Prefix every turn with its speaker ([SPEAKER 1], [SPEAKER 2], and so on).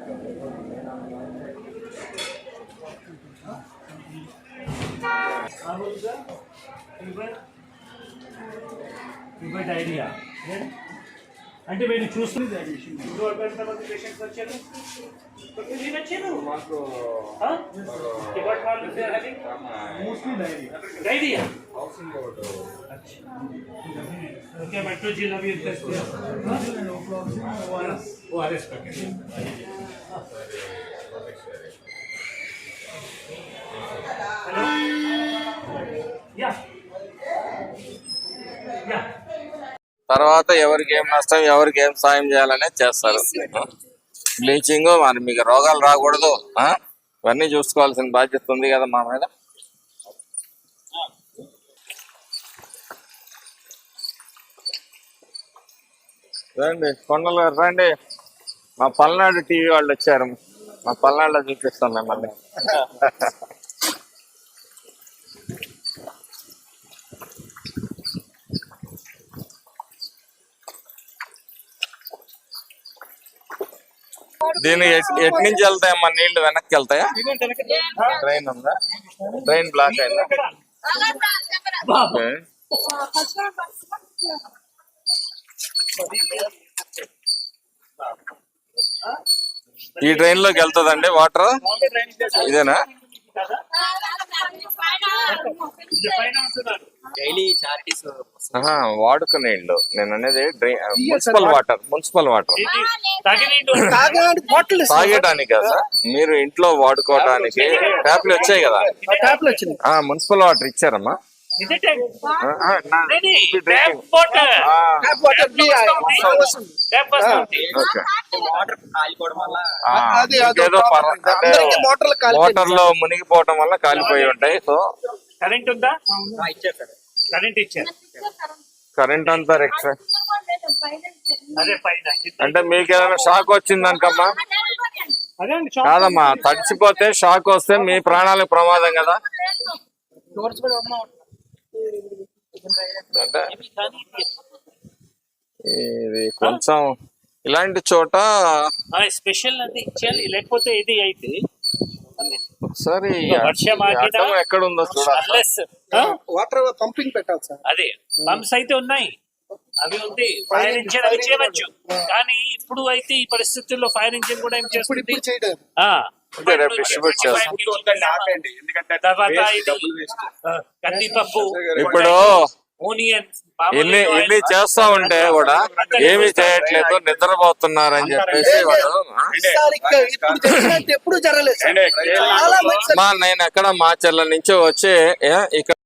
[SPEAKER 1] Diarrhoea అంటే మీరు చూస్తుంది పేషెంట్స్ వచ్చారు डायरिया क्या मेट्रो जिला भी ORS पैकेट या या
[SPEAKER 2] తర్వాత ఎవరికి ఏం నష్టం ఎవరికి ఏం సాయం చేయాలనే చేస్తారు. బ్లీచింగ్ మరి మీకు రోగాలు రాకూడదు ఇవన్నీ చూసుకోవాల్సిన బాధ్యత ఉంది కదా మా మీద. రండి కొండలు గారు రండి, మా పల్నాడు టీవీ వాళ్ళు వచ్చారు, మా పల్నాడులో చూపిస్తాం మిమ్మల్ని. దీని ఎటు నుంచి వెళ్తాయమ్మా నీళ్లు? వెనక్కి వెళ్తాయా? ట్రైన్ ఉందా? ట్రైన్ బ్లాక్ అయిందా? ఈ ట్రైన్ లోకి వెళ్తుందండి వాటర్? ఇదేనా? వాడుకునే ఇల్లు నేను అనేది మున్సిపల్ వాటర్. మున్సిపల్ వాటర్ తాగేటానికి కదా, మీరు ఇంట్లో వాడుకోవడానికి ట్యాప్లు వచ్చాయి కదా, మున్సిపల్ వాటర్ ఇచ్చారమ్మా. మోటార్ లో మునిగిపోవటం వల్ల కాలిపోయి ఉంటాయి. సో
[SPEAKER 1] కరెంట్ ఉందా? కరెంట్ ఇచ్చారు.
[SPEAKER 2] కరెంట్ అంతా ఎక్స్ట్రా అంటే మీకు ఏదైనా షాక్ వచ్చిందనుకమ్మా? కాదమ్మా, తడిచిపోతే షాక్ వస్తే మీ ప్రాణాలకు ప్రమాదం కదా. అంటే ఇది కొంచెం ఇలాంటి చోట
[SPEAKER 1] స్పెషల్ అది ఇచ్చేయాలి, లేకపోతే ఇది అయితే
[SPEAKER 2] ఒకసారి ఎక్కడ ఉందో చూడాలి.
[SPEAKER 3] వాటర్ పంపింగ్ పెట్టాలి సార్.
[SPEAKER 1] అదే పంప్స్ అయితే ఉన్నాయి, అవి ఉంది, ఫైర్ ఇంజిన్ అవి చేయవచ్చు. కానీ ఇప్పుడు అయితే ఈ పరిస్థితుల్లో ఫైర్ ఇంజిన్ కూడా ఏం చేస్తుంది, కందిపప్పు,
[SPEAKER 2] ఇప్పుడు ఇన్ని చేస్తా ఉంటే కూడా ఏమి చేయట్లేదు, నిద్రపోతున్నారని చెప్పేసి వాడు. నేను ఎక్కడ మాచర్ల నుంచి వచ్చి ఇక్కడ